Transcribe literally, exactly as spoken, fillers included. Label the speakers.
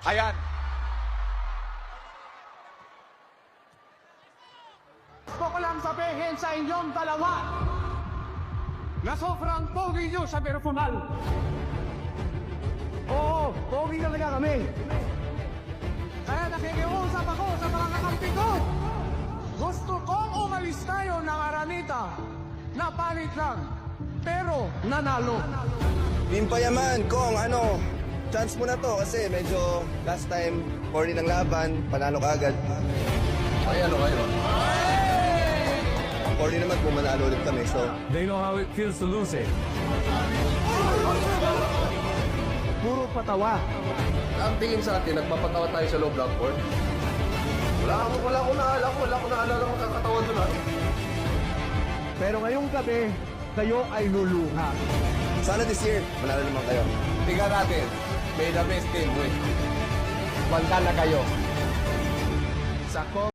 Speaker 1: Ayan.
Speaker 2: Gusto ko lang sabihin sa inyong dalawa na sobrang pogi nyo sa personal. Oo, pogi talaga kami. Kaya nakikiusap ako sa mga kakampi ko. Gusto kong umalis tayo ng Aranita na palit lang, pero nanalo.
Speaker 3: Team Payaman, Kong, ano, chance mo na to kasi medyo last time, forty ng laban, panalo ka agad.
Speaker 1: Ay, ano kayo?
Speaker 3: forty naman kung manalo ulit kami, so...
Speaker 2: They know how it feels to lose it. Puro patawa.
Speaker 1: Ang tingin sa atin, nagpapatawa tayo sa low block court. Wala akong, wala akong naalala ko, wala akong naalala kung kakatawa doon ha.
Speaker 2: Pero ngayong gabi, kayo ay luluha.
Speaker 3: Sana this year, manalo naman kayo.
Speaker 1: Tingnan natin, may the best team win. Banda na kayo.
Speaker 2: Sa